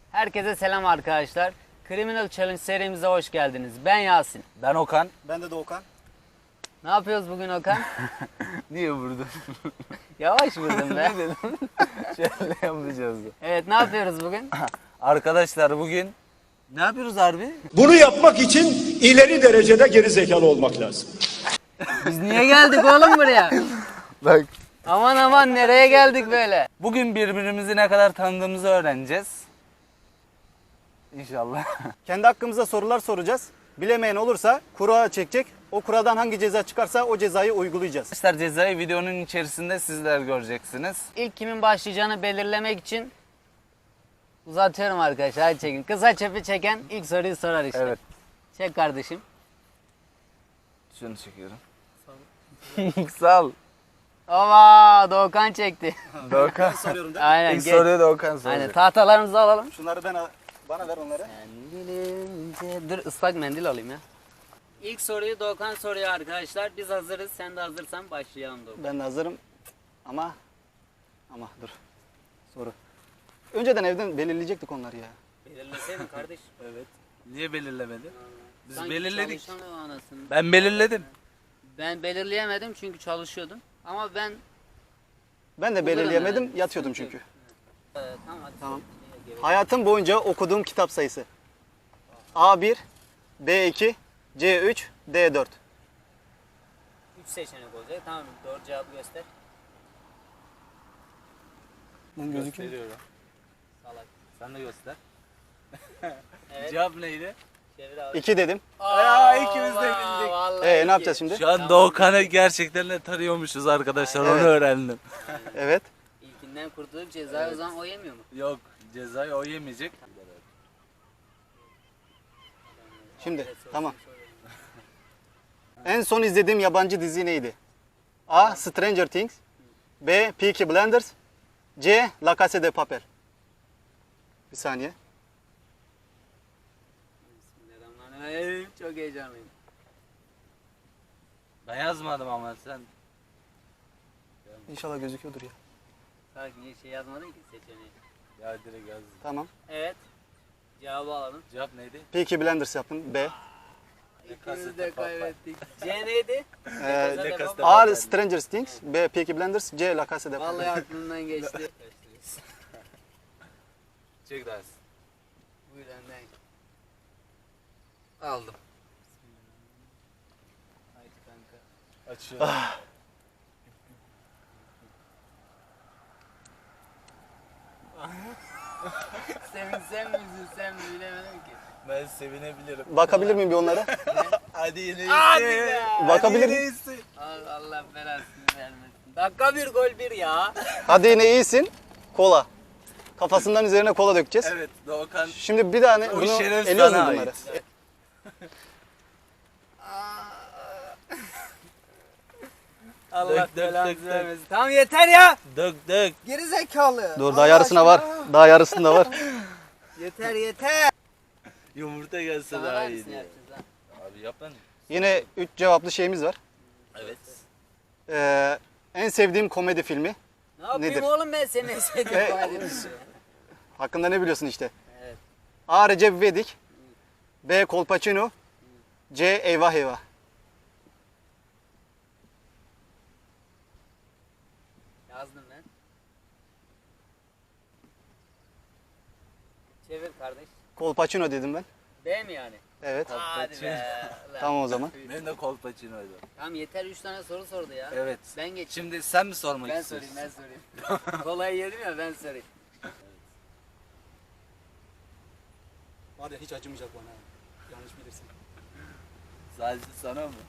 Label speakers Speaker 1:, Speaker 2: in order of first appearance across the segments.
Speaker 1: Herkese selam arkadaşlar. Criminal Challenge serimize hoş geldiniz. Ben Yasin.
Speaker 2: Ben Okan.
Speaker 3: Ben de Doğukan.
Speaker 1: Ne yapıyoruz bugün Okan?
Speaker 2: Niye vurdun?
Speaker 1: Yavaş vurdum be.
Speaker 2: Ne dedim? Şöyle yapacağız.
Speaker 1: Evet, ne yapıyoruz bugün?
Speaker 2: Arkadaşlar bugün ne yapıyoruz harbi?
Speaker 4: Bunu yapmak için ileri derecede gerizekalı olmak lazım.
Speaker 1: Biz niye geldik oğlum buraya?
Speaker 2: Bak.
Speaker 1: Aman aman, nereye geldik böyle?
Speaker 2: Bugün birbirimizi ne kadar tanıdığımızı öğreneceğiz. İnşallah.
Speaker 3: Kendi hakkımıza sorular soracağız. Bilemeyen olursa kura çekecek. O kuradan hangi ceza çıkarsa o cezayı uygulayacağız.
Speaker 2: Arkadaşlar cezayı videonun içerisinde sizler göreceksiniz.
Speaker 1: İlk kimin başlayacağını belirlemek için uzatıyorum arkadaşlar. Hadi çekin. Kısa çöpü çeken ilk soruyu sorar işte.
Speaker 2: Evet.
Speaker 1: Çek kardeşim.
Speaker 2: Şunu çekiyorum. Sağ ol.
Speaker 1: Ova, Doğukan çekti.
Speaker 2: Doğukan.
Speaker 3: Soruyorum değil mi?
Speaker 1: Aynen.
Speaker 2: İlk
Speaker 1: geç.
Speaker 2: soruyu Doğukan soracak.
Speaker 1: Aynen, tahtalarımızı alalım.
Speaker 3: Şunları bana ver onları.
Speaker 1: Dur, ıslak mendil alayım ya. İlk soruyu Doğukan soruyor arkadaşlar. Biz hazırız. Sen de hazırsan başlayalım Doğukan.
Speaker 3: Ben de hazırım. Ama dur. Soru. Önceden evden belirleyecektik onları ya.
Speaker 1: Belirleseydin kardeş.
Speaker 2: Evet. Niye belirlemedin? Biz
Speaker 1: Sanki
Speaker 2: belirledik.
Speaker 1: çalışan o anasını.
Speaker 2: Ben belirledim.
Speaker 1: Ben belirleyemedim çünkü çalışıyordum. Ama ben...
Speaker 3: Ben de belirleyemedim, yatıyordum çünkü.
Speaker 1: Tamam hadi.
Speaker 3: Tamam.
Speaker 1: Gerek-
Speaker 3: Hayatım boyunca okuduğum kitap sayısı. A1, B2, C3, D4.
Speaker 1: 3 seçenek olacak. Tamam, doğru cevabı göster.
Speaker 2: Gösteriyorum.
Speaker 1: Salak.
Speaker 2: Sen de göster.
Speaker 1: Evet.
Speaker 2: Cevap neydi?
Speaker 1: Çevir abi.
Speaker 3: 2 dedim.
Speaker 2: Aa, ikimiz de
Speaker 1: Aa,
Speaker 2: bildik.
Speaker 1: vallahi
Speaker 3: Ne
Speaker 1: iki.
Speaker 3: yapacağız şimdi?
Speaker 2: Şu an Doğukan'ı gerçekten de tanıyormuşuz arkadaşlar. Onu
Speaker 3: Evet.
Speaker 2: öğrendim.
Speaker 3: Evet.
Speaker 1: İlkinden kurtulduk, cezayı o zaman o yemiyor mu?
Speaker 2: Yok, cezayı o yemeyecek.
Speaker 3: Şimdi tamam. En son izlediğim yabancı dizi neydi? A. Stranger Things, B. Peaky Blinders, C. La Casa de Papel. Bir saniye.
Speaker 1: Bismillahirrahmanirrahim. Çok heyecanlıyım.
Speaker 2: Ben yazmadım ama sen.
Speaker 3: İnşallah gözüküyordur ya.
Speaker 1: Sakin, niye şey yazmadın ki seçeneği?
Speaker 2: Ya direkt yaz.
Speaker 3: Tamam.
Speaker 1: Evet. Cevabı alalım.
Speaker 2: Cevap neydi?
Speaker 3: Peaky Blinders yaptım. B.
Speaker 1: İkimiz de kaybettik. C neydi?
Speaker 3: Ee,
Speaker 1: Papel.
Speaker 3: A. Stranger Things, B. Peaky Blinders, C. La Casa de Papel.
Speaker 1: Vallahi aklımdan geçti.
Speaker 2: Çek ders.
Speaker 1: Buyur önden.
Speaker 2: Aldım.
Speaker 1: Haydi kanka.
Speaker 2: Açıyorum.
Speaker 1: Sevinsem mi üzülsem mi bilemedim ki.
Speaker 2: Ben sevinebilirim.
Speaker 3: Bakabilir miyim bir onlara?
Speaker 2: Hadi yine
Speaker 1: Hadi
Speaker 2: iyisi.
Speaker 1: be.
Speaker 3: Bakabilir
Speaker 2: Hadi yine
Speaker 3: miyim?
Speaker 2: iyisi.
Speaker 1: Allah belasını vermesin. Dakika bir gol bir ya.
Speaker 3: Hadi yine iyisin. Kola. Kafasından üzerine kola dökeceğiz.
Speaker 2: Evet, Doğukan.
Speaker 3: Şimdi bir tane
Speaker 2: O
Speaker 3: bunu
Speaker 2: şeref
Speaker 3: eliyoruz mu
Speaker 2: sana
Speaker 3: bunları?
Speaker 2: ait.
Speaker 1: Allah
Speaker 2: Dök, dök,
Speaker 1: belanı
Speaker 2: dök, dök.
Speaker 1: vermesin. Tamam yeter ya.
Speaker 2: Dök dök.
Speaker 1: Geri zekalı.
Speaker 3: Dur daha yarısına var. Daha yarısında var.
Speaker 1: Yeter yeter.
Speaker 2: Yumurta gelse
Speaker 1: Sana
Speaker 2: daha
Speaker 1: hangisini
Speaker 2: iyiydi.
Speaker 1: yapacağız ha?
Speaker 2: Abi yap lan.
Speaker 3: Yine 3 cevaplı şeyimiz var.
Speaker 2: Evet.
Speaker 3: En sevdiğim komedi filmi.
Speaker 1: Ne yapayım
Speaker 3: Nedir?
Speaker 1: oğlum ben senin en sevdiğin
Speaker 3: E,
Speaker 1: komedini?
Speaker 3: Hakkında ne biliyorsun işte?
Speaker 1: Evet.
Speaker 3: A. Recep İvedik, B. Kolpaçino, C. Eyvah Eyvah.
Speaker 1: Yazdım ben. Çevir kardeş.
Speaker 3: Kolpaçino dedim ben.
Speaker 1: B mi yani?
Speaker 3: Evet.
Speaker 1: Hadi be. Ulan.
Speaker 3: Tamam o zaman.
Speaker 2: Ben de kolpaçinoydum.
Speaker 1: Tamam yeter, 3 tane soru sordu ya.
Speaker 2: Evet.
Speaker 1: Ben geçeyim.
Speaker 2: Şimdi sen mi sormak
Speaker 1: Ben
Speaker 2: istiyorsun?
Speaker 1: sorayım ben sorayım. Kolayı yedim ya, ben sorayım.
Speaker 3: Var ya hiç acımayacak bana. Yanlış bilirsin.
Speaker 2: Sadece sana mı?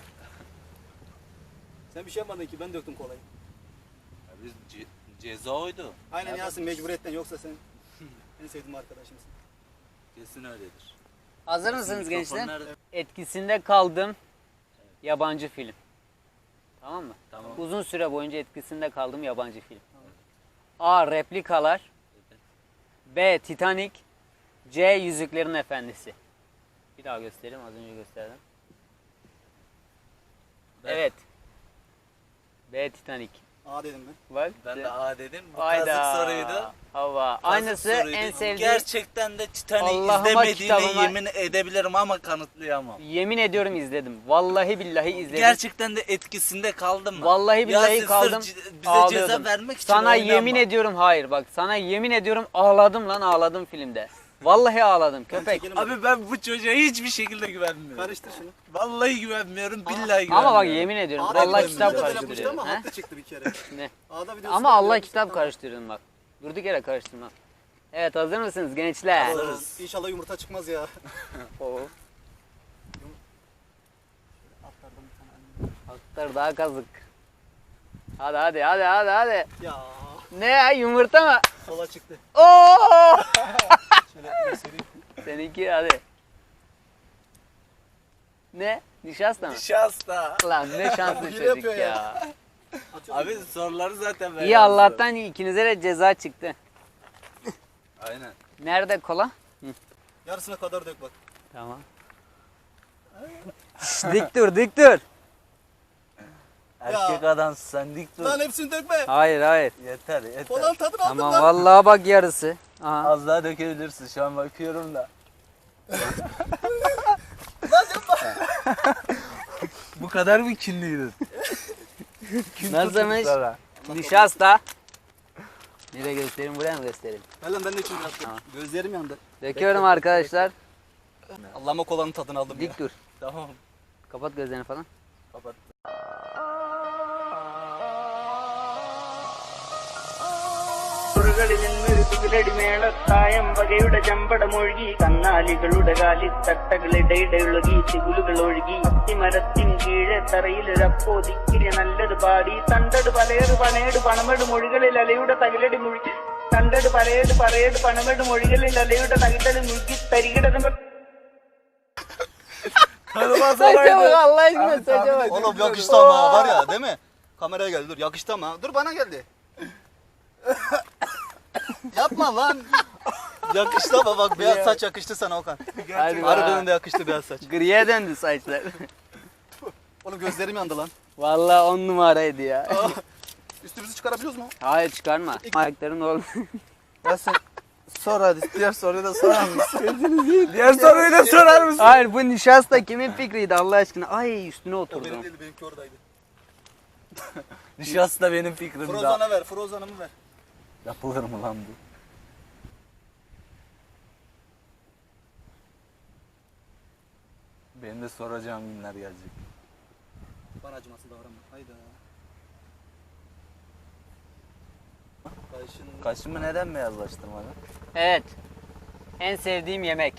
Speaker 3: Sen bir şey yapmadın ki, ben döktüm kolayı.
Speaker 2: Ya biz ceza oydu.
Speaker 3: Aynen Yasin, mecburiyetten, yoksa sen en sevdiğim arkadaşımsın.
Speaker 2: Kesin öyledir.
Speaker 1: Hazır mısınız gençler?
Speaker 2: Mikrofonlar-
Speaker 1: Etkisinde kaldığım yabancı film. Tamam mı?
Speaker 2: Tamam.
Speaker 1: Uzun süre boyunca etkisinde kaldığım yabancı film. A. Replikalar, B. Titanic, C. Yüzüklerin Efendisi. Bir daha göstereyim, az önce gösterdim.
Speaker 2: Ben-
Speaker 1: Evet. B. Titanic.
Speaker 3: A dedim ben.
Speaker 1: Bak.
Speaker 2: Ben de A dedim. Bu
Speaker 1: Hayda.
Speaker 2: kazık soruydu.
Speaker 1: Hava.
Speaker 2: Kazık
Speaker 1: Aynısı
Speaker 2: soruydu.
Speaker 1: en sevdiğim.
Speaker 2: Gerçekten de Titanic'i
Speaker 1: Allah'ıma,
Speaker 2: izlemediğime
Speaker 1: kitabıma-
Speaker 2: yemin edebilirim ama kanıtlayamam.
Speaker 1: Yemin ediyorum izledim. Vallahi billahi izledim.
Speaker 2: Gerçekten de etkisinde kaldım mı?
Speaker 1: Vallahi billahi
Speaker 2: Yasin
Speaker 1: kaldım.
Speaker 2: sırf bize ceza
Speaker 1: Ağlıyordum.
Speaker 2: vermek için
Speaker 1: Sana
Speaker 2: oynanma.
Speaker 1: yemin ediyorum hayır bak. Sana yemin ediyorum ağladım lan ağladım filmde. Vallahi ağladım köpek.
Speaker 3: Çekelim hadi.
Speaker 2: Abi ben bu çocuğa hiçbir şekilde güvenmiyorum.
Speaker 3: Karıştır şunu.
Speaker 2: Vallahi güvenmiyorum, billahi güvenmiyorum.
Speaker 1: Ama bak yemin ediyorum.
Speaker 3: A'da
Speaker 1: Allah
Speaker 3: bir
Speaker 1: kitap
Speaker 3: videoda yapmıştı
Speaker 1: karıştırıyor.
Speaker 3: ama
Speaker 1: He?
Speaker 3: haklı çıktı bir kere.
Speaker 1: Ne?
Speaker 3: A'da videosu
Speaker 1: Ama Allah
Speaker 3: yapmıştı,
Speaker 1: kitap
Speaker 3: tamam.
Speaker 1: karıştırdın bak. Durduk yere karıştırma. Evet hazır mısınız gençler?
Speaker 3: Hazırız. İnşallah yumurta çıkmaz ya.
Speaker 1: Oo.
Speaker 3: Atlardan bir tane.
Speaker 1: Atlar daha kazık. Hadi.
Speaker 3: Ya
Speaker 1: Ne ya yumurta mı?
Speaker 3: sola çıktı.
Speaker 1: Oo!
Speaker 3: Şöyle göstereyim.
Speaker 1: Seninki hadi. Ne? Nişasta mı?
Speaker 2: Şansta.
Speaker 1: Lan ne şanslı
Speaker 3: Hile
Speaker 1: çocuk
Speaker 3: yapıyor
Speaker 1: ya.
Speaker 3: ya. Atıyorum.
Speaker 2: Abi soruları zaten ben
Speaker 1: İyi
Speaker 2: yazdım.
Speaker 1: Allah'tan ikinize de ceza çıktı.
Speaker 2: Aynen.
Speaker 1: Nerede kola?
Speaker 3: Yarısına kadar dök bak.
Speaker 1: Tamam. Şş, dik dur.
Speaker 2: Erkek adamsın sen, dik dur.
Speaker 3: Lan hepsini dökme.
Speaker 1: Hayır.
Speaker 2: Yeter yeter.
Speaker 3: Kolanın tadını aldın
Speaker 1: Tamam
Speaker 3: lan.
Speaker 1: vallahi bak yarısı. Aha.
Speaker 2: Az daha dökebilirsin, şu an bakıyorum da. Bu kadar mı kinliydin?
Speaker 1: Nasılmış? Nişasta. Nereye göstereyim buraya mı göstereyim?
Speaker 3: Ver lan ben de içim biraz.
Speaker 1: Tamam.
Speaker 3: Gözlerim yandı.
Speaker 1: Döküyorum arkadaşlar.
Speaker 3: Allah'ıma kolanın tadını aldım ya.
Speaker 1: Dik dur.
Speaker 2: Tamam.
Speaker 1: Kapat gözlerini falan.
Speaker 2: Kapat.
Speaker 5: മേളത്തായം വകയുടെ ചമ്പടമൊഴുകി കന്നാലികളുടെ കാലിത്തട്ടകളിടയിടയൊഴുകി തികുലുകൾ ഒഴുകി അത്തിമരത്തിൻ കീഴെ തറയിലൊരപ്പോ ദിക്കിരി നല്ലത് പാടി തണ്ടട് പലയേട് പണയേട് പണമെട് മൊഴികളിൽ അലയുടെ തകിലടി മുഴുകി തണ്ടട് പലയേട് പറയേട് പണമെട് മൊഴികളിൽ അലയുടെ തകിലടി മുഴുകി തരികിടതുമ്പോ
Speaker 1: Saça bak Allah aşkına saça bak.
Speaker 3: Oğlum yakıştı ama var ya değil mi? Kameraya geldi dur yakıştı ama. Dur bana geldi. Yapma lan. Yakıştı ama bak beyaz saç yakıştı sana Okan.
Speaker 1: Hadi
Speaker 3: Harbiden de yakıştı beyaz saç.
Speaker 1: Griye döndü saçlar.
Speaker 3: Oğlum gözlerim yandı lan.
Speaker 1: Vallahi 10 numaraydı ya.
Speaker 3: Üstümüzü çıkarabiliyoruz mu?
Speaker 1: Hayır çıkarma. Ayakların oğlum.
Speaker 2: Nasıl? Sor hadi, diğer soruyu da sorar mısın? Diğer soruyu da sorar mısın?
Speaker 1: Hayır bu nişasta kimin fikriydi Allah aşkına? Ay üstüne
Speaker 3: O
Speaker 1: oturdum.
Speaker 3: benim değil benimki oradaydı.
Speaker 2: Nişasta benim fikrimde.
Speaker 3: Frozan'a ver, Frozan'ımı ver.
Speaker 2: Yapılır mı lan bu? Benim de soracağım günler gelecek.
Speaker 3: Bana acımasız davranma. Hayda. Kaşın...
Speaker 2: Kaşımı neden beyazlaştırmadın?
Speaker 1: Evet. En sevdiğim yemek.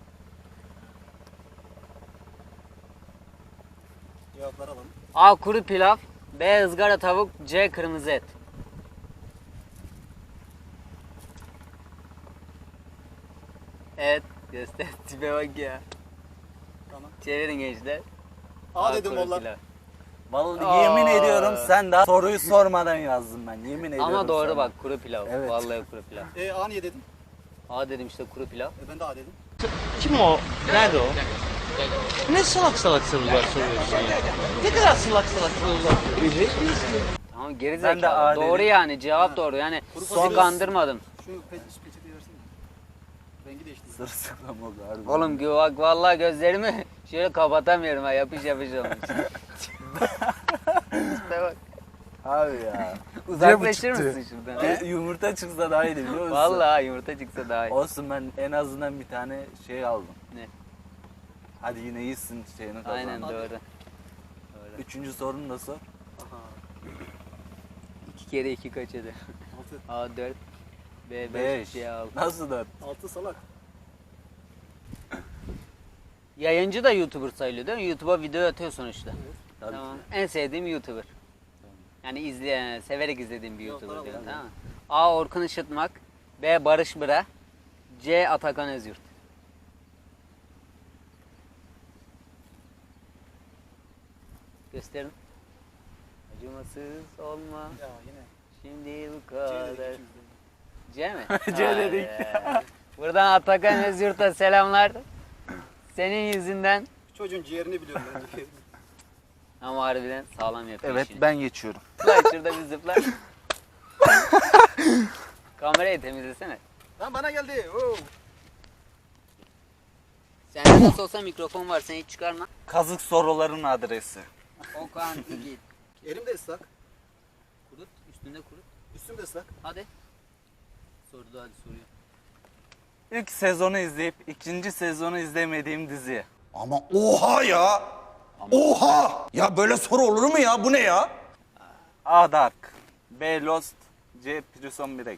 Speaker 3: Cevapları alalım.
Speaker 1: A. Kuru pilav. B. ızgara tavuk. C. Kırmızı et. Evet. Göster. Tipe bak ya.
Speaker 3: Tamam.
Speaker 1: Çevirin gençler.
Speaker 3: A dedim
Speaker 1: kuru
Speaker 3: valla.
Speaker 1: pilav.
Speaker 2: Vallahi
Speaker 1: Aa.
Speaker 2: yemin ediyorum sen daha soruyu sormadan yazdım ben. Yemin ediyorum
Speaker 1: Ama doğru
Speaker 2: sana.
Speaker 1: bak kuru pilav.
Speaker 2: Evet.
Speaker 1: Vallahi kuru pilav.
Speaker 3: A niye dedim?
Speaker 1: A dedim işte kuru pilav.
Speaker 3: Ben de A dedim.
Speaker 6: Kim o? Nerede o? Ne salak salak sorular soruyorsun ya? Ne kadar salak salak sorular soruyorsun?
Speaker 1: Tamam geri
Speaker 2: Ben de A
Speaker 1: zekalı. Doğru
Speaker 2: dedim.
Speaker 1: yani cevap doğru. Yani
Speaker 3: Kuru
Speaker 1: son
Speaker 3: fasulye-
Speaker 1: kandırmadım.
Speaker 3: Şu peçeteyi versene. Rengi değişti.
Speaker 2: Sırsıklam oldu harbi.
Speaker 1: Oğlum bak vallahi gözlerimi şöyle kapatamıyorum ha yapış olmuş. İşte bak.
Speaker 2: Abi ya.
Speaker 1: Uzaklaşır
Speaker 2: çıktı?
Speaker 1: mısın şuradan? he?
Speaker 2: Yumurta çıksa daha iyiydi biliyor musun?
Speaker 1: Vallahi yumurta çıksa daha iyi.
Speaker 2: Olsun, ben en azından bir tane şey aldım.
Speaker 1: Ne?
Speaker 2: Hadi yine iyisin şeyini kazandın.
Speaker 1: Aynen doğru.
Speaker 2: Üçüncü sorunu da sor.
Speaker 3: Aha.
Speaker 1: 2 kere 2 kaç eder?
Speaker 3: 6.
Speaker 1: A 4 B 5
Speaker 2: 5.
Speaker 1: C 6.
Speaker 2: Nasıl 4?
Speaker 3: 6 salak.
Speaker 1: Yayıncı da YouTuber sayılıyor değil mi? YouTube'a video atıyor sonuçta.
Speaker 2: Tabii
Speaker 1: Tamam.
Speaker 2: ki.
Speaker 1: En sevdiğim YouTuber. Yani izleyen, severek izlediğim bir
Speaker 3: Yok,
Speaker 1: YouTuber
Speaker 3: bravo,
Speaker 1: diyorum
Speaker 3: bravo.
Speaker 1: tamam mı? A Orkun Işıtmak, B Barış Bıra, C Atakan Özyurt. Gösterin. Acımasız olma.
Speaker 3: Ya yine.
Speaker 1: Şimdi bu
Speaker 3: C
Speaker 1: kadar.
Speaker 3: dedik ikimiz de.
Speaker 1: C mi?
Speaker 2: C
Speaker 1: Vay
Speaker 2: dedik.
Speaker 1: be. Buradan Atakan Özyurt'a selamlar. Senin yüzünden
Speaker 3: Çocuğun ciğerini biliyorum bence.
Speaker 1: ama harbiden sağlam yapıyor
Speaker 2: Evet,
Speaker 1: işini.
Speaker 2: ben geçiyorum.
Speaker 1: zıpla şurada bir zıpla. Kamerayı temizlesene.
Speaker 3: Lan bana geldi. Oo.
Speaker 1: Sende nasıl olsa mikrofon var, sen hiç çıkarma.
Speaker 2: Kazık soruların adresi.
Speaker 1: Okan git.
Speaker 3: Elim de ıslak.
Speaker 1: Kurut, üstünde kurut.
Speaker 3: Üstüm de ıslak.
Speaker 1: Hadi. Sordu hadi soruyor.
Speaker 2: İlk sezonu izleyip ikinci sezonu izlemediğim dizi.
Speaker 4: Ama oha ya. Oha. Ya böyle soru olur mu ya? Bu ne ya?
Speaker 2: A. Dark, B. Lost, C. Prison Break.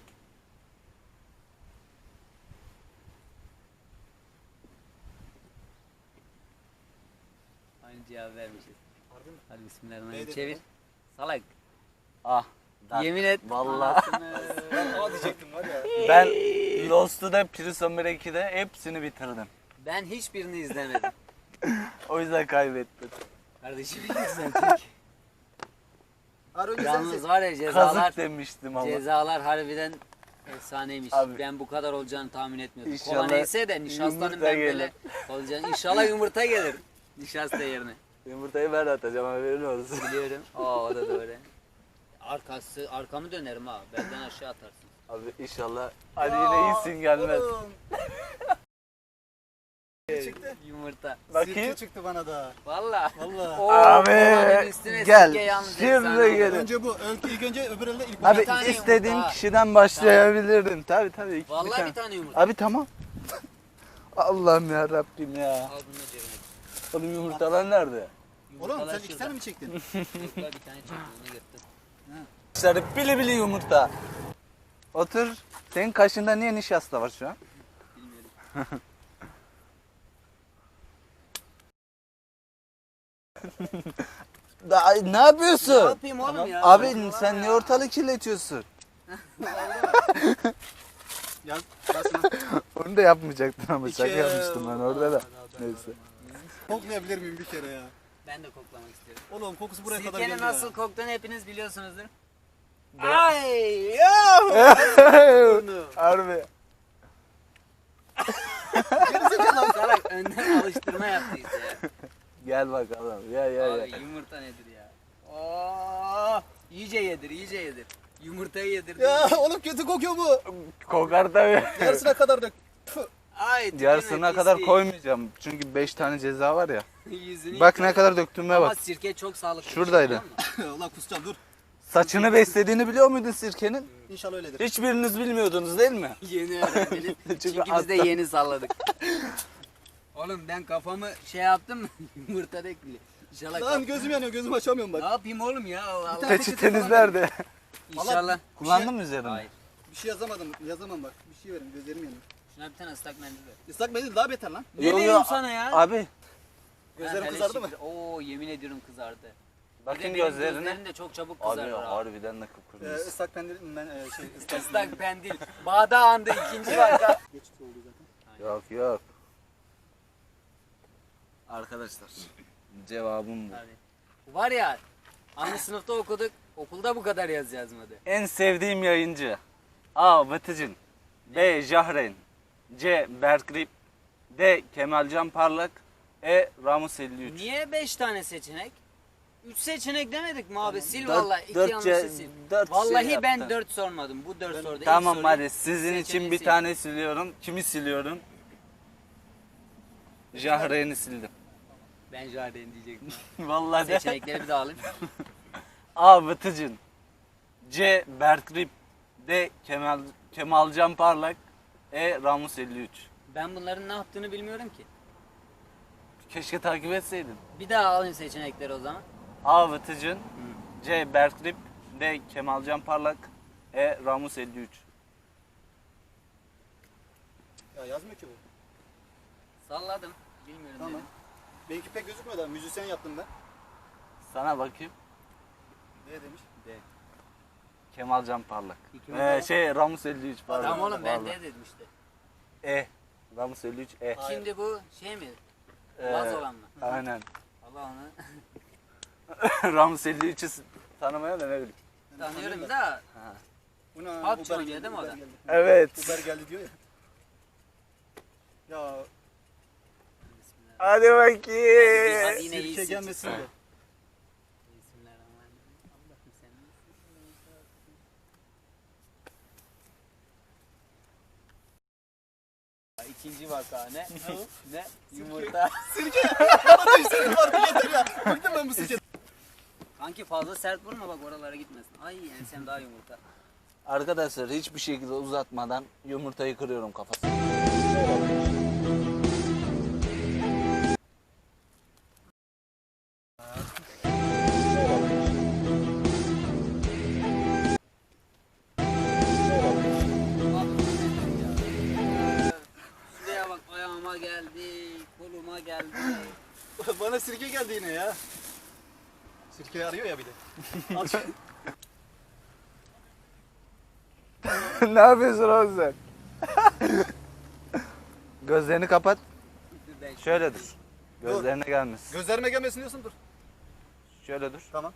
Speaker 1: Aynı cevap vermişiz. Hadi bismillahirrahmanirrahim.
Speaker 3: Neydi?
Speaker 1: Çevir. Salak.
Speaker 2: Ah. Dark.
Speaker 1: Yemin et.
Speaker 2: Vallahi.
Speaker 3: Aa diyecektim var ya.
Speaker 2: Ben Lost'u da Prison Break'i de hepsini bitirdim.
Speaker 1: Ben hiçbirini izlemedim.
Speaker 2: O yüzden kaybettim.
Speaker 1: Kardeşim sen tek.
Speaker 3: Harun sen
Speaker 1: Yalnız var ya cezalar.
Speaker 2: Kazık demiştim ama.
Speaker 1: Cezalar harbiden efsaneymiş.
Speaker 2: Abi.
Speaker 1: Ben bu kadar olacağını tahmin etmiyordum.
Speaker 2: İnşallah
Speaker 1: Kola neyse de nişastanın
Speaker 2: yumurta
Speaker 1: ben
Speaker 2: gelir.
Speaker 1: böyle olacağını. İnşallah yumurta gelir. Nişasta yerine.
Speaker 2: Yumurtayı ben atacağım, haberin olsun.
Speaker 1: Biliyorum. Aa o da doğru. Arkamı dönerim ha. Belden aşağı atarsın.
Speaker 2: Abi inşallah. Hadi yine iyisin gelmez.
Speaker 3: Oğlum. Çıktı.
Speaker 1: Yumurta.
Speaker 2: Bakayım.
Speaker 3: Sirke çıktı bana da.
Speaker 1: Valla.
Speaker 3: Vallahi.
Speaker 1: Oo,
Speaker 2: Abi,
Speaker 1: kolanın üstüne
Speaker 2: gel.
Speaker 1: sirke yalnız
Speaker 2: Şimdi
Speaker 1: efsane
Speaker 2: gelin.
Speaker 1: oldu.
Speaker 3: Önce bu. İlk önce öbür elde ilk
Speaker 2: Abi
Speaker 1: Bir tane
Speaker 2: istediğin
Speaker 1: yumurta.
Speaker 2: kişiden başlayabilirdin. Tabii tabii.
Speaker 1: Vallahi bir tane yumurta.
Speaker 2: Abi tamam. Allah'ım ya Rabbim ya.
Speaker 1: Al bunu da cebine.
Speaker 2: Oğlum yumurtalar nerede?
Speaker 3: Oğlum
Speaker 1: Yumurtalar
Speaker 3: sen iki
Speaker 1: şurada.
Speaker 3: tane mi çektin?
Speaker 1: Yok la bir tane çektim onu yırttım.
Speaker 2: İşte bili bili yumurta. Otur. Senin kaşında niye nişasta var şu an?
Speaker 1: Bilmiyorum.
Speaker 2: Ne
Speaker 1: Ne
Speaker 2: yapıyorsun?
Speaker 1: yapayım oğlum ya?
Speaker 2: Abi sen niye ortalığı kirletiyorsun?
Speaker 3: Yaz. Basma.
Speaker 2: Onu da yapmayacaktın ama şaka
Speaker 3: İki-
Speaker 2: yapmıştım ben orada da. Neyse.
Speaker 3: Koklayabilir miyim bir kere ya?
Speaker 1: Ben de koklamak istiyorum.
Speaker 3: Oğlum kokusu buraya kadar
Speaker 1: Sirkenin
Speaker 3: geldi
Speaker 1: nasıl
Speaker 3: ya.
Speaker 1: koktuğunu hepiniz biliyorsunuzdur.
Speaker 2: Ay! Harbi.
Speaker 1: Salak önden alıştırma yaptıyız ya.
Speaker 2: Gel bakalım. Gel gel
Speaker 1: Abi
Speaker 2: gel.
Speaker 1: yumurta nedir ya? Oo, iyice yedir, iyice yedir. Yumurtayı yedirdi.
Speaker 3: Ya oğlum kötü kokuyor bu.
Speaker 2: Kokar tabii.
Speaker 3: Yarısına kadar dök.
Speaker 1: Ay, tükürme,
Speaker 2: Yarısına kadar
Speaker 1: pislik.
Speaker 2: koymayacağım. Çünkü 5 tane ceza var ya.
Speaker 1: Yüzünü
Speaker 2: Bak
Speaker 1: yıka.
Speaker 2: ne kadar döktüğüme
Speaker 1: Ama
Speaker 2: bak.
Speaker 1: sirke çok sağlıklı.
Speaker 2: Şuradaydı.
Speaker 1: bir şey, biliyor musun?
Speaker 3: Ulan kusacağım dur.
Speaker 2: Saçını beslediğini biliyor muydun sirkenin?
Speaker 3: İnşallah öyledir.
Speaker 2: Hiçbiriniz bilmiyordunuz değil mi?
Speaker 1: Yeni öğrendiniz. Çünkü biz de
Speaker 2: atla-
Speaker 1: yeni salladık. Oğlum ben kafamı şey yaptım mı? Yumurta bekli. İnşallah
Speaker 3: Lan gözüm yanıyor gözüm açamıyorum
Speaker 1: Ne
Speaker 3: bak.
Speaker 1: yapayım oğlum ya? Allah Allah.
Speaker 2: Peçeteniz nerede?
Speaker 1: İnşallah.
Speaker 2: Kullandın mı üzerine?
Speaker 1: Hayır.
Speaker 3: Bir şey yazamadım. Yazamam bak. Bir şey verin gözlerim yanıyor.
Speaker 1: Şuna bir tane ıslak mendil ver.
Speaker 3: Islak mendil daha beter lan.
Speaker 1: Ne
Speaker 2: Yo, yo,
Speaker 1: diyorum sana ya?
Speaker 2: Abi
Speaker 3: Gözlerim
Speaker 1: Ha,
Speaker 3: kızardı mı?
Speaker 1: hele Oo yemin ediyorum kızardı. Bir de
Speaker 2: bakın
Speaker 1: benim
Speaker 2: gözlerine.
Speaker 1: Gözlerim de çok çabuk
Speaker 2: Abi
Speaker 1: kızarır ha.
Speaker 2: harbiden de kıpkırmızı.
Speaker 3: Islak mendil ben ıslak.
Speaker 1: Islak mendil. Bağda andı ikinci var.
Speaker 3: Geçti oldu zaten.
Speaker 2: Yok yok. Arkadaşlar cevabım bu.
Speaker 1: Var ya aynı sınıfta okuduk. Okulda bu kadar yaz yazmadı.
Speaker 2: En sevdiğim yayıncı. A. Vıtıcın, B. Jahren, C. Berkrip, D. Kemalcan Parlak, E. Ramus 53.
Speaker 1: Niye 5 tane seçenek? 3 seçenek demedik mi abi? Sil
Speaker 2: Dört-
Speaker 1: vallahi 2
Speaker 2: dört
Speaker 1: yanlışı
Speaker 2: ce-
Speaker 1: sil.
Speaker 2: dört
Speaker 1: Vallahi
Speaker 2: şey
Speaker 1: ben
Speaker 2: yaptın.
Speaker 1: 4 sormadım. Bu 4 soruda.
Speaker 2: Tamam
Speaker 1: İlk soruyu
Speaker 2: hadi sizin
Speaker 1: seçeneği
Speaker 2: için bir
Speaker 1: sil.
Speaker 2: tane siliyorum. Kimi siliyorum? Jahren'i sildim.
Speaker 1: Ben Jardin diyecektim.
Speaker 2: Vallahi de.
Speaker 1: Seçenekleri bir daha alayım.
Speaker 2: A. Vıtıcın, C. Berkrip, D. Kemalcan Parlak, E. Ramus 53.
Speaker 1: Ben bunların ne yaptığını bilmiyorum ki.
Speaker 2: Keşke takip etseydin.
Speaker 1: Bir daha alayım seçenekleri o zaman.
Speaker 2: A. Vıtıcın, C. Berkrip, D. Kemalcan Parlak, E. Ramus 53.
Speaker 3: Ya yazmıyor ki bu.
Speaker 1: Salladım. Bilmiyorum
Speaker 3: Tamam.
Speaker 1: dedim.
Speaker 3: Benimki pek gözükmüyor da müzisyen yaptım ben.
Speaker 2: Sana bakayım.
Speaker 3: Ne demiş?
Speaker 2: Kemalcan Parlak.
Speaker 1: İki mi?
Speaker 2: Ramus 53 pardon.
Speaker 1: Tamam oğlum ben
Speaker 2: Vallahi.
Speaker 1: de dedim işte.
Speaker 2: E. Ramus 53 E.
Speaker 3: Hayır.
Speaker 1: Şimdi bu şey mi?
Speaker 2: Ee,
Speaker 1: Laz olan mı?
Speaker 2: Aynen.
Speaker 1: Allah onu
Speaker 2: Ramus 53'ü tanımaya da ne bileyim.
Speaker 1: tanıyorum da.
Speaker 3: Buna
Speaker 1: PUBG
Speaker 3: Uber
Speaker 1: oynuyor
Speaker 3: geldi,
Speaker 1: değil mi o
Speaker 3: Uber
Speaker 1: da?
Speaker 3: geldi.
Speaker 2: Evet.
Speaker 3: Uber geldi diyor ya. Ya
Speaker 2: Hadi bakayım.
Speaker 1: Hadi yine
Speaker 3: sirke
Speaker 1: iyisin.
Speaker 3: gelmesin de.
Speaker 1: Bismillahirrahmanirrahim. Allah'ım sen iyisin. İkinci vaka ne? Ne? Yumurta.
Speaker 3: Bıktım ben bu sirke.
Speaker 1: Kanki fazla sert vurma bak oralara gitmesin. Ay ensem daha yumurta.
Speaker 2: Arkadaşlar hiçbir şekilde uzatmadan yumurtayı kırıyorum kafasına.
Speaker 1: Şuraya bak ayağıma geldi, koluma geldi.
Speaker 3: Bana sirke geldi yine ya. Sirkeyi arıyor ya bir de. Al şu-
Speaker 2: Ne yapıyorsun oğlum sen? Gözlerini kapat. Şöyle dur. Gözlerine gelmesin.
Speaker 3: Gözlerime gelmesin diyorsun dur.
Speaker 2: Şöyle dur.
Speaker 3: Tamam.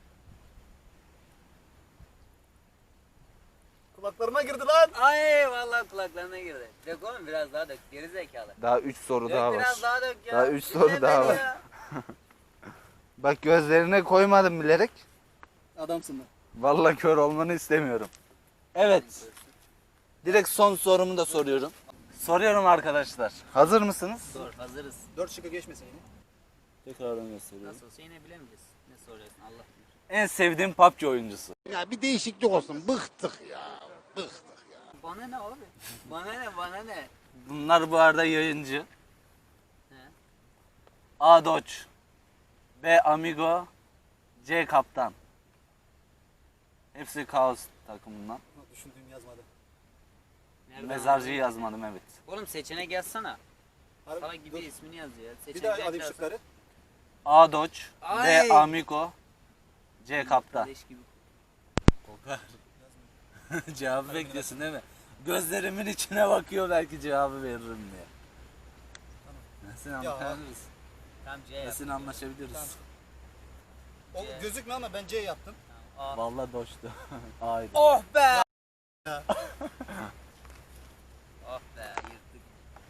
Speaker 3: Kulaklarıma girdi lan.
Speaker 1: Ay vallahi kulaklarına girdi. Dök oğlum biraz daha dök. Geri zekalı.
Speaker 2: Daha 3 soru
Speaker 1: Dök
Speaker 2: daha var.
Speaker 1: biraz daha dök ya.
Speaker 2: Daha üç
Speaker 1: Dinle
Speaker 2: soru daha
Speaker 1: beni
Speaker 2: var.
Speaker 1: ya.
Speaker 2: Bak gözlerine koymadım bilerek.
Speaker 3: Adamsın lan.
Speaker 2: Vallahi kör olmanı istemiyorum. Evet. Direkt son sorumu da soruyorum. Soruyorum arkadaşlar. Hazır mısınız?
Speaker 1: Dur hazırız.
Speaker 3: 4 şıkkı geçmesin yine.
Speaker 2: Tekrardan gösteriyorum.
Speaker 1: Nasıl olsa yine bilemeyeceğiz. Ne soruyorsun Allah bilir.
Speaker 2: En sevdiğim PUBG oyuncusu.
Speaker 7: Ya bir değişiklik olsun. Bıktık ya. Bıktık.
Speaker 1: Bana ne abi? Bana ne bana ne?
Speaker 2: Bunlar bu arada yayıncı.
Speaker 1: He.
Speaker 2: A. Doç, B. Amigo, C. Kaptan. Hepsi Kaos takımından.
Speaker 3: Düşündüğüm yazmadı.
Speaker 1: Nereden
Speaker 2: Mezarcıyı yazmadım evet.
Speaker 1: Oğlum seçenek yazsana.
Speaker 3: Harbi,
Speaker 1: Salak gibi
Speaker 3: dur.
Speaker 1: ismini yaz ya.
Speaker 3: Bir
Speaker 1: Seçenek
Speaker 3: daha alayım
Speaker 1: yazsana.
Speaker 3: şıkları.
Speaker 2: A. Doç,
Speaker 1: Ay!
Speaker 2: B. Amigo, C. Kaptan.
Speaker 1: Leş gibi.
Speaker 2: Kokar. Cevabı bekliyorsun değil mi? Gözlerimin içine bakıyor belki cevabı veririm diye. Nasıl anlaşabiliriz?
Speaker 1: Tamam C yap.
Speaker 2: Nasıl anlaşabiliriz?
Speaker 3: Tamam. O gözükmüyor ama ben C yaptım.
Speaker 1: A.
Speaker 2: Vallahi Doç'tu. Aydı.
Speaker 1: Oh be! Oh be yırttık.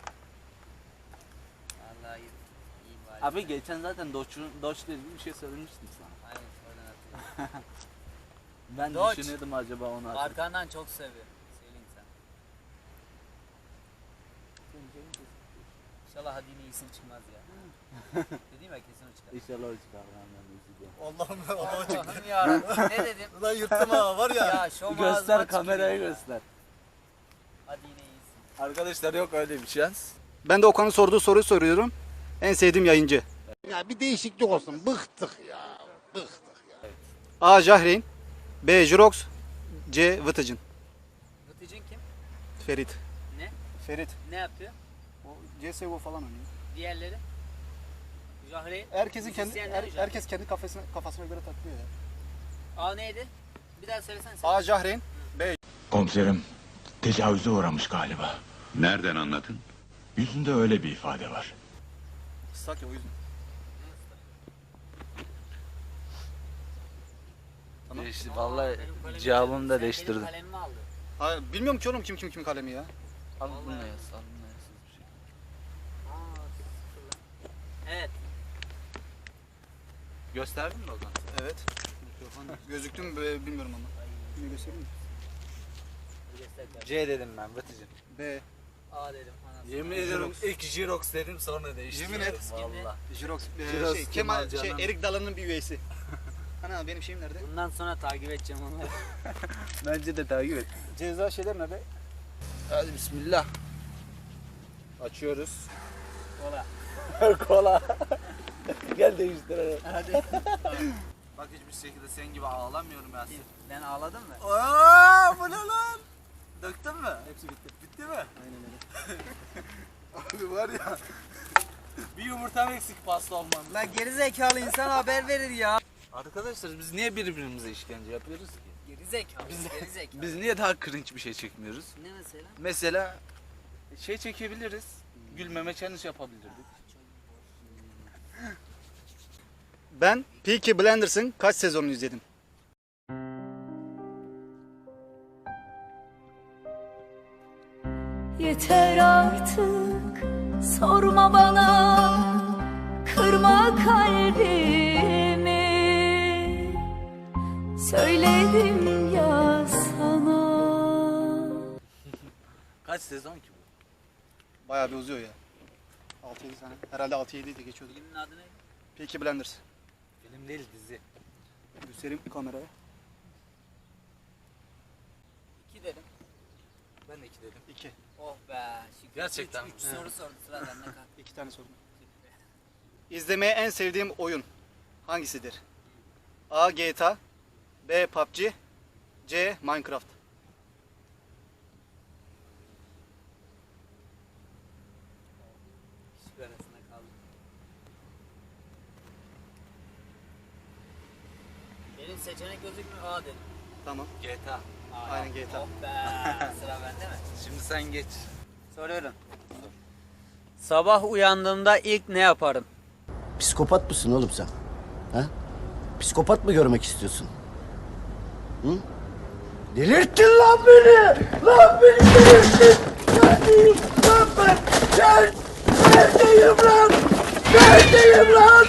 Speaker 1: Vallahi yırttık. İyi bari.
Speaker 2: Abi geçen zaten Doç'la ilgili bir şey söylemiştim sana.
Speaker 1: Aynen oradan hatırladım.
Speaker 2: Ben
Speaker 1: Doç.
Speaker 2: düşünüyordum acaba onu acaba.
Speaker 1: Arkandan çok seviyor. Söyleyeyim sen. İnşallah hadi yine iyisin çıkmaz ya. Dediğim ya kesin o çıkar.
Speaker 2: İnşallah o çıkar benden üzülüyorum.
Speaker 3: Allah'ım Allah'a çıktı.
Speaker 1: Allah'ım yarabbim ne dedim?
Speaker 3: Ulan yırttım ha var ya.
Speaker 1: Ya şu
Speaker 2: Göster kameraya göster.
Speaker 1: Hadi yine iyisin.
Speaker 2: Arkadaşlar yok öyle bir şans.
Speaker 3: Ben de Okan'ın sorduğu soruyu soruyorum. En sevdiğim yayıncı.
Speaker 7: Ya bir değişiklik olsun. Bıktık ya. Bıktık.
Speaker 3: A. Jahreyn, B. Jirox, C. Vıtıcın.
Speaker 1: Vıtıcın kim?
Speaker 3: Ferit.
Speaker 1: Ne?
Speaker 3: Ferit.
Speaker 1: Ne yapıyor?
Speaker 3: O CSGO falan oynuyor.
Speaker 1: Diğerleri? Jahreyn.
Speaker 3: Herkesin kendi
Speaker 1: Müzisyenler Jahreyn.
Speaker 3: herkes kendi kafasına göre takılıyor ya.
Speaker 1: A neydi? Bir daha söylesene sen.
Speaker 3: A. Jahreyn,
Speaker 8: Komiserim, tecavüze uğramış galiba.
Speaker 9: Nereden anladın?
Speaker 8: Yüzünde öyle bir ifade var.
Speaker 3: ıslak ya o yüzden.
Speaker 2: Değişti.
Speaker 1: Aa,
Speaker 2: Vallahi
Speaker 1: benim kalemimi
Speaker 2: cevabımı
Speaker 1: aldın.
Speaker 2: da
Speaker 1: Sen
Speaker 2: değiştirdim.
Speaker 1: Benim kalemimi aldın.
Speaker 3: Hayır, bilmiyorum ki oğlum kim kalemi ya.
Speaker 2: Al bunu
Speaker 1: Vallahi.
Speaker 2: yaz, al bunu yaz.
Speaker 1: Aa, sıfır lan. Evet.
Speaker 2: Gösterdin mi o zaman?
Speaker 3: Evet. Gözüktü mü bilmiyorum ama. Yine göstereyim mi?
Speaker 1: Göster kardeşim.
Speaker 2: C dedim ben Batıcığım.
Speaker 3: B.
Speaker 1: A dedim. Anasını.
Speaker 2: Yemin ediyorum ilk Jirox dedim sonra değiştirdim.
Speaker 3: Yemin et.
Speaker 2: Valla.
Speaker 3: Jirox,
Speaker 2: Jirox
Speaker 3: Kemal,
Speaker 2: Kemal Can'ın-
Speaker 3: Erik Dalı'nın bir üyesi. Ana benim şeyim nerede?
Speaker 1: Bundan sonra takip edeceğim onu.
Speaker 2: Bence de takip et.
Speaker 3: Ceza şeyler nerede?
Speaker 2: Hadi bismillah. Açıyoruz.
Speaker 1: Kola.
Speaker 2: Kola. Gel değiştirelim.
Speaker 1: Hadi.
Speaker 2: Bak hiçbir şekilde senin gibi ağlamıyorum ya.
Speaker 1: Ben ağladın mı?
Speaker 2: Aa, bu ne lan? Döktün mü?
Speaker 3: Hepsi bitti.
Speaker 2: Bitti mi?
Speaker 3: Aynen öyle.
Speaker 2: Abi var ya. Bir yumurtam eksik pasta olmam.
Speaker 1: Lan geri zekalı insan haber verir ya.
Speaker 2: Arkadaşlar biz niye birbirimize işkence yapıyoruz ki?
Speaker 1: Geri zekalı. Geri zekalı.
Speaker 2: Biz niye daha cringe bir şey çekmiyoruz?
Speaker 1: Ne mesela?
Speaker 2: Mesela şey çekebiliriz. Gülmeme challenge yapabilirdik.
Speaker 3: Ben Peaky Blinders'ın kaç sezonunu izledim?
Speaker 10: Yeter artık sorma bana, kırma kalbimi. Söyledim ya sana.
Speaker 2: Kaç sezon ki bu?
Speaker 3: Bayağı bir uzuyor ya. 6-7 tane. Herhalde 6-7 de geçiyordu.
Speaker 1: Filmin adı ne?
Speaker 3: Peaky Blinders.
Speaker 6: Film değil dizi.
Speaker 3: Göstereyim kameraya.
Speaker 1: 2 dedim.
Speaker 6: Ben de 2 dedim.
Speaker 3: 2.
Speaker 1: Oh be. Şükür.
Speaker 6: Gerçekten.
Speaker 1: 3 soru sordu sıra bende kaldı.
Speaker 3: 2 tane sordum. İzlemeye en sevdiğim oyun hangisidir? A. GTA, B. PUBG, C. Minecraft.
Speaker 1: Şükür arasında kaldım. Benim seçenek gözükmüyor. A dedim.
Speaker 3: Tamam.
Speaker 6: GTA.
Speaker 3: Aynen GTA.
Speaker 1: Oh be. Sıra bende mi?
Speaker 6: Şimdi sen geç.
Speaker 1: Soruyorum. Sabah uyandığımda ilk ne yaparım?
Speaker 9: Psikopat mısın oğlum sen? Ha? Psikopat mı görmek istiyorsun? Hı? Delirttin lan beni! Lan beni delirttin! Neredeyim lan ben? Neredeyim lan? Neredeyim lan?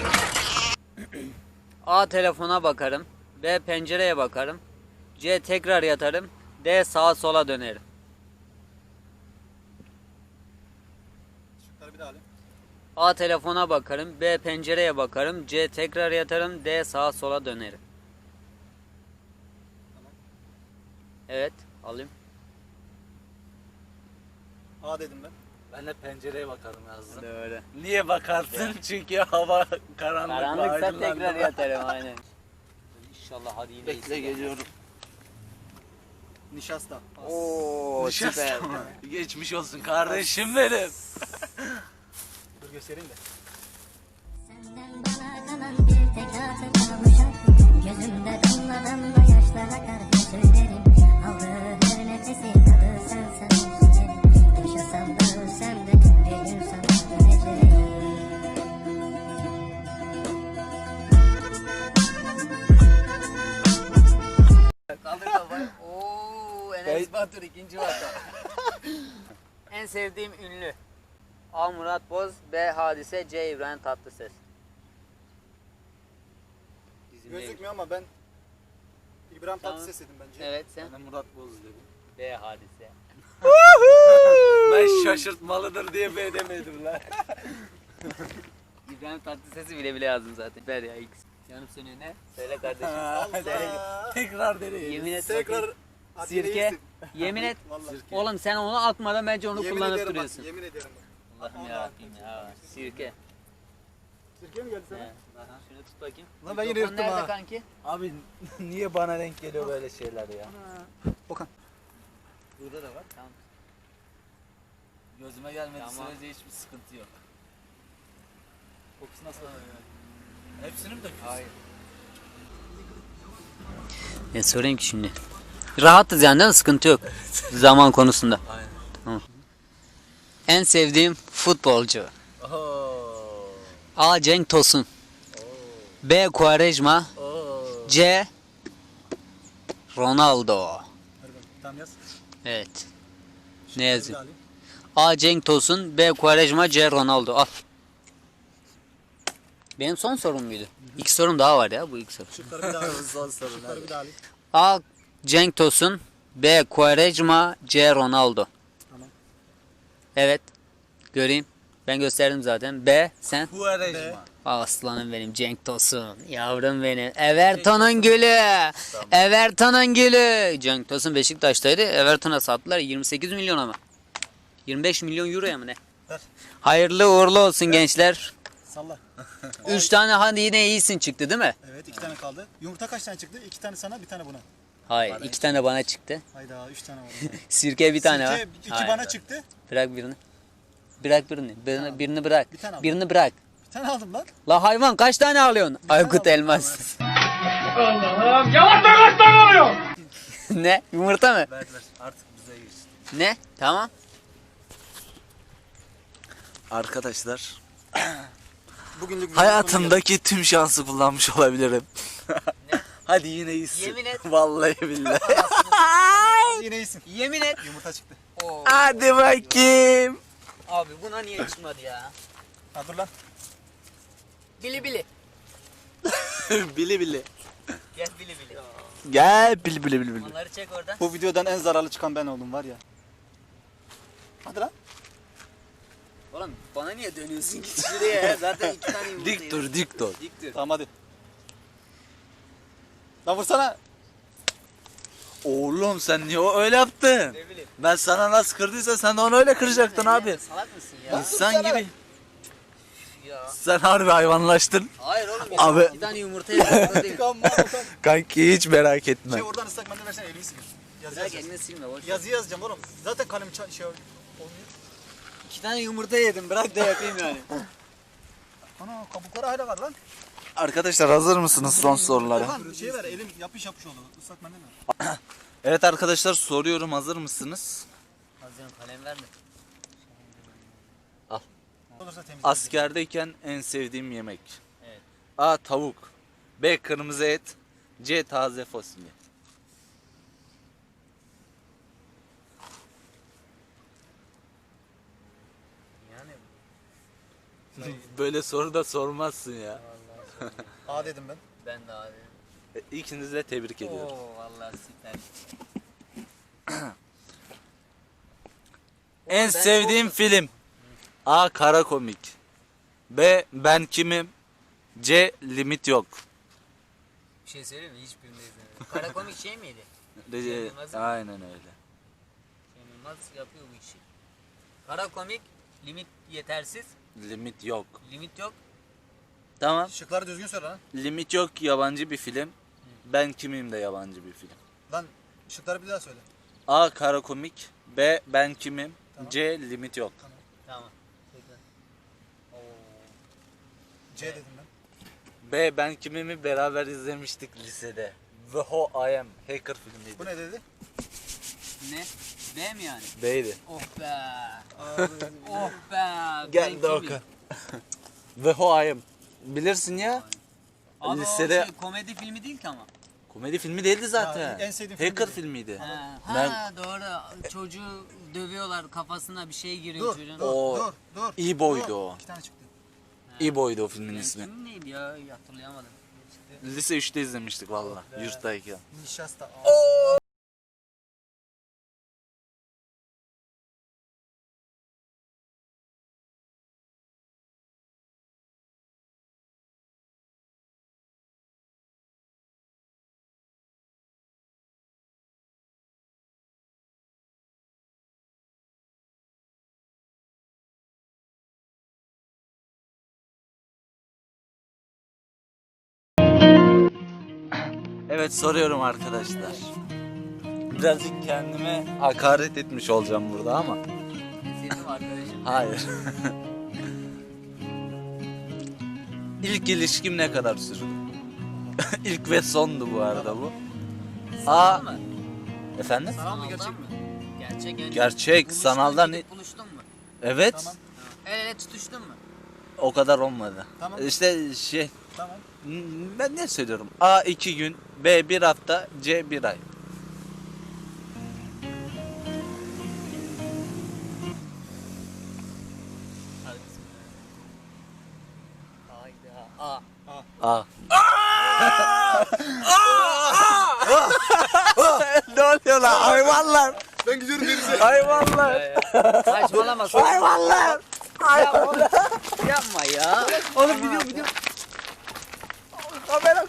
Speaker 1: A. Telefona bakarım. B. Pencereye bakarım. C. Tekrar yatarım. D. Sağa sola dönerim.
Speaker 3: Şıkları bir daha alayım.
Speaker 1: A. Telefona bakarım. B. Pencereye bakarım. C. Tekrar yatarım. D. Sağa sola dönerim. Evet. Alayım.
Speaker 3: A dedim ben.
Speaker 6: Ben de pencereye bakarım yazdım.
Speaker 1: Doğru.
Speaker 6: Niye bakarsın? Çünkü hava karanlık.
Speaker 1: Karanlıksa tekrar yatarım aynen. İnşallah hadi yine
Speaker 6: Bekle geliyorum.
Speaker 3: Nişasta.
Speaker 1: Oo süper.
Speaker 6: Geçmiş olsun kardeşim benim.
Speaker 3: Dur göstereyim de.
Speaker 10: Senden bana kalan bir tek hatıra bu şarkı. Gözümde damla damla yaşlar akar hep söylerim. Aldığı her nefesi tadı sensen üzülerim. Yaşasam da ölsem de bir gün sana döneceğim.
Speaker 1: Kaldır kafayı. Oo Enes Batur ikinci vaka. En sevdiğim ünlü. A. Murat Boz, B. Hadise, C. İbrahim Tatlıses.
Speaker 3: Gözükmüyor ama ben İbrahim
Speaker 1: Tamam.
Speaker 3: Tatlıses dedim bence.
Speaker 1: Evet sen.
Speaker 6: Ben de Murat Boz dedim.
Speaker 1: B. Hadise.
Speaker 6: Ben şaşırtmalıdır diye B demedim lan.
Speaker 1: İbrahim Tatlıses'i bile bile yazdım zaten. Ver ya X. Yanıp sönüyor ne? Söyle kardeşim. Söyle.
Speaker 6: Tekrar deneyelim.
Speaker 1: Yemin et.
Speaker 3: Tekrar
Speaker 1: bakayım.
Speaker 3: hadi
Speaker 1: Sirke.
Speaker 3: iyisin.
Speaker 1: Yemin et.
Speaker 3: Vallahi.
Speaker 1: Oğlum sen onu atmadan bence onu
Speaker 3: Yemin
Speaker 1: kullanıp
Speaker 3: ederim
Speaker 1: duruyorsun.
Speaker 3: bak, yemin ederim bak.
Speaker 1: Allah'ım yarabbim ya. Sirke.
Speaker 3: Sirke mi geldi sana?
Speaker 1: He. Şunu tut bakayım.
Speaker 3: Lan ben yine
Speaker 1: Mikrofon
Speaker 3: yırttım
Speaker 1: nerede
Speaker 3: ha.
Speaker 1: kanki?
Speaker 6: Abi niye bana denk geliyor böyle şeyler ya?
Speaker 3: Okan.
Speaker 6: Burada da var.
Speaker 1: Tamam.
Speaker 6: Gözüme gelmediği
Speaker 1: Tamam.
Speaker 6: sürece hiçbir sıkıntı yok. Kokusu nasıl? Hepsini mi döküyorsun? Hayır.
Speaker 1: Ne sorayım ki şimdi? Rahatız yani değil mi? Sıkıntı yok. Zaman konusunda.
Speaker 6: Aynen.
Speaker 1: Tamam. En sevdiğim futbolcu.
Speaker 6: Ooo.
Speaker 1: A. Cenk Tosun. B. Quaresma. C. Ronaldo.
Speaker 3: Tamam yaz.
Speaker 1: Evet. Ne yazayım? A. Cenk Tosun. B. Quaresma. C. Ronaldo. Al. Benim son sorum muydu? İki sorum daha var ya bu ilk soru.
Speaker 3: Şıkları bir daha alayım. Şıkları bir daha alayım.
Speaker 1: A. Cenk Tosun. B. Quaresma. C. Ronaldo.
Speaker 3: Tamam.
Speaker 1: Evet. Göreyim. Ben gösterdim zaten. B. Sen?
Speaker 6: Quaresma.
Speaker 1: Aslanım benim Cenk Tosun. Yavrum benim. Everton'un gülü. Everton'un gülü. Cenk Tosun Beşiktaş'taydı. Everton'a sattılar 28 milyon ama. 25 milyon euroya mı ne?
Speaker 3: Ver.
Speaker 1: Hayırlı uğurlu olsun gençler.
Speaker 3: Salla.
Speaker 1: 3 tane hadi yine iyisin çıktı değil mi?
Speaker 3: Evet 2 tane kaldı. Yumurta kaç tane çıktı? 2 tane sana, bir tane buna.
Speaker 1: Hayır 2 tane bana çıktı.
Speaker 3: Hayda 3 tane var.
Speaker 1: Sirke bir tane var.
Speaker 3: Sirke 2
Speaker 1: Hayır.
Speaker 3: bana çıktı.
Speaker 1: Bırak birini. Bırak birini. Birini bırak.
Speaker 3: Bir tane al.
Speaker 1: Birini bırak.
Speaker 3: Bir tane aldım lan.
Speaker 1: La hayvan kaç tane alıyorsun? Aykut
Speaker 3: aldım.
Speaker 1: Elmas. Ne? Yumurta mı?
Speaker 6: Ver ver artık bize girsin.
Speaker 1: Ne? Tamam.
Speaker 6: Arkadaşlar
Speaker 3: Bugünlük
Speaker 6: hayatımdaki tüm şansı kullanmış olabilirim. Hadi yine iyisin.
Speaker 1: Yemin et.
Speaker 6: Vallahi billahi.
Speaker 3: yine iyisin.
Speaker 1: Yemin et.
Speaker 3: Yumurta çıktı.
Speaker 1: Oo.
Speaker 6: Hadi bakayım.
Speaker 1: Abi buna niye çıkmadı ya?
Speaker 3: Ha dur lan.
Speaker 1: Bili bili.
Speaker 6: Bili bili.
Speaker 1: Gel bili bili.
Speaker 6: Gel bili bili bili bili.
Speaker 1: Onları çek oradan.
Speaker 3: Bu videodan en zararlı çıkan ben oldum var ya. Hadi lan.
Speaker 1: Oğlum bana niye dönüyorsun ki şuraya ya? Zaten 2 tane yumurta
Speaker 2: Dik dur, dik dur.
Speaker 1: Dik dur.
Speaker 3: Tamam hadi. Lan vursana.
Speaker 2: Oğlum sen niye öyle yaptın?
Speaker 1: Ne bileyim.
Speaker 2: Ben sana nasıl kırdıysa sen de onu öyle kıracaktın abi.
Speaker 1: Salak mısın ya?
Speaker 2: İnsan gibi.
Speaker 1: Ya.
Speaker 2: Sen harbi hayvanlaştın.
Speaker 1: Hayır oğlum.
Speaker 2: Abi.
Speaker 1: 2 tane yumurta yedim. değil.
Speaker 2: Kanki hiç merak etme.
Speaker 3: Şey oradan ıslak mendil versene elini sil. Yazı
Speaker 1: Bırak
Speaker 3: yazacağız.
Speaker 1: elini silme boş.
Speaker 3: Yazı yazacağım oğlum. Zaten kalem şey olmuyor.
Speaker 1: 2 tane yumurta yedim. Bırak da yapayım yani.
Speaker 3: Ana kabukları hala var lan.
Speaker 2: Arkadaşlar hazır mısınız son sorulara?
Speaker 3: Lan şey ver elim yapış yapış oldu. Islak mendil ver.
Speaker 2: Evet arkadaşlar soruyorum, hazır mısınız?
Speaker 1: Hazırım, kalem verme.
Speaker 3: Olursa temiz.
Speaker 2: Askerdeyken en sevdiğim yemek.
Speaker 1: Evet.
Speaker 2: A. Tavuk. B. Kırmızı et. C. Taze fasulye.
Speaker 1: Yani
Speaker 2: Böyle soru da sormazsın ya.
Speaker 3: A dedim ben.
Speaker 1: ben de abi.
Speaker 2: İkinizi de tebrik ediyorum.
Speaker 1: Oo vallahi süper.
Speaker 2: En
Speaker 1: ben
Speaker 2: sevdiğim film. A. Kara komik. B. Ben kimim. C. Limit yok.
Speaker 1: Bir şey söyleyeyim mi? Hiçbirini izlemedim. Kara komik şey miydi?
Speaker 2: C.
Speaker 1: Yılmaz'ın-
Speaker 2: Aynen öyle.
Speaker 1: Cem Yılmaz yapıyor bu işi. Kara komik, limit yetersiz,
Speaker 2: Limit yok.
Speaker 1: limit yok.
Speaker 2: Tamam.
Speaker 3: Şıkları düzgün söyle lan.
Speaker 2: Limit yok yabancı bir film. Ben kimim de yabancı bir film.
Speaker 3: Lan şıkları bir daha söyle.
Speaker 2: A. Kara komik. B. Ben kimim. C. Limit yok.
Speaker 1: Tamam. Tekrar. Oo.
Speaker 3: C dedim ben.
Speaker 2: B. Ben kimimi beraber izlemiştik lisede. The Who I Am. Hacker filmiydi.
Speaker 3: Bu ne dedi?
Speaker 1: Ne? B mi yani?
Speaker 2: B'ydi.
Speaker 1: Oh be. Oh be.
Speaker 2: Gel de
Speaker 1: Ben
Speaker 2: oku.
Speaker 1: kimim?
Speaker 2: The Who I Am. Bilirsin ya.
Speaker 1: Abi
Speaker 2: Lisede-
Speaker 1: o şey, komedi filmi değil ki ama.
Speaker 2: Komedi filmi değildi zaten.
Speaker 3: Ya, en sevdiğim film
Speaker 2: Hacker
Speaker 3: dedi.
Speaker 2: filmiydi.
Speaker 1: Ha,
Speaker 2: Ben-
Speaker 1: ha doğru. Çocuğu dövüyorlar, kafasına bir şey giriyor
Speaker 3: Dur,
Speaker 1: çocuğun.
Speaker 2: O
Speaker 3: dur.
Speaker 2: İbo'ydu
Speaker 3: Dur.
Speaker 2: o.
Speaker 3: 2 tane çıktı.
Speaker 2: İbo'ydu o filmin
Speaker 1: Ben
Speaker 2: ismi.
Speaker 1: kim neydi ya? Hatırlayamadım.
Speaker 2: Lise 3'te izlemiştik valla. Yurttayken.
Speaker 3: Nişasta.
Speaker 2: Evet soruyorum arkadaşlar. Birazcık kendime hakaret etmiş olacağım burada ama.
Speaker 1: Sevdim arkadaşım.
Speaker 2: Hayır. İlk ilişkim ne kadar sürdü? İlk ve sondu bu arada bu.
Speaker 1: Sanal mı?
Speaker 2: Efendim?
Speaker 3: Sanal mı
Speaker 1: Sanaldan
Speaker 3: gerçek mi?
Speaker 1: Gerçek. yani.
Speaker 2: Gerçek,
Speaker 1: Buluştun,
Speaker 2: sanaldan
Speaker 1: gidip buluştun mu?
Speaker 2: Evet.
Speaker 3: Tamam.
Speaker 1: El ele tutuştun mu?
Speaker 2: O kadar olmadı.
Speaker 3: Tamam.
Speaker 2: İşte şey,
Speaker 3: Tamam.
Speaker 2: ben ne söylüyorum? A 2 gün, B 1 hafta, C 1 ay.
Speaker 1: Hadi bismillah. Hayda.
Speaker 2: A. Ne oluyor lan hayvanlar?
Speaker 3: Ben gidiyorum denize.
Speaker 2: Hayvanlar.
Speaker 1: Saçmalama.
Speaker 2: Hayvanlar.
Speaker 1: Ya oğlum, yapma ya.
Speaker 2: Oğlum gidiyor.
Speaker 3: Kamera.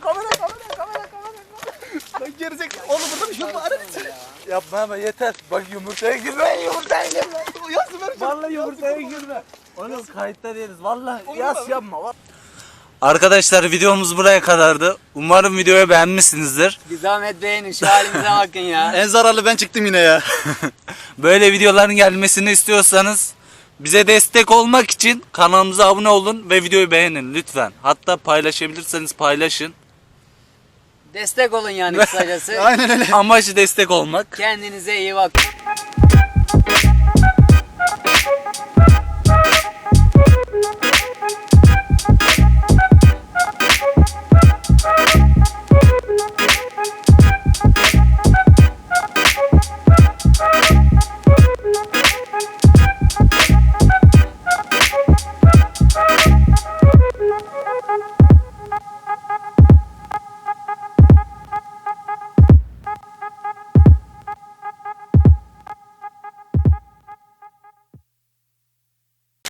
Speaker 3: Lan gerizek. Oğlum burada bir şey var.
Speaker 2: Yapma ama yeter. Bak yumurtaya girme.
Speaker 3: Yazı ver.
Speaker 2: Vallahi yumurtaya girme. Oğlum kayıtta değiliz. Vallahi yas yapma. Arkadaşlar videomuz buraya kadardı. Umarım videoyu beğenmişsinizdir.
Speaker 1: Bir zahmet beğenin şu halimize bakın ya.
Speaker 3: En zararlı ben çıktım yine ya.
Speaker 2: Böyle videoların gelmesini istiyorsanız bize destek olmak için kanalımıza abone olun ve videoyu beğenin lütfen. Hatta paylaşabilirseniz paylaşın.
Speaker 1: Destek olun yani kısacası.
Speaker 3: Aynen öyle.
Speaker 2: Amacı destek olmak.
Speaker 1: Kendinize iyi bakın.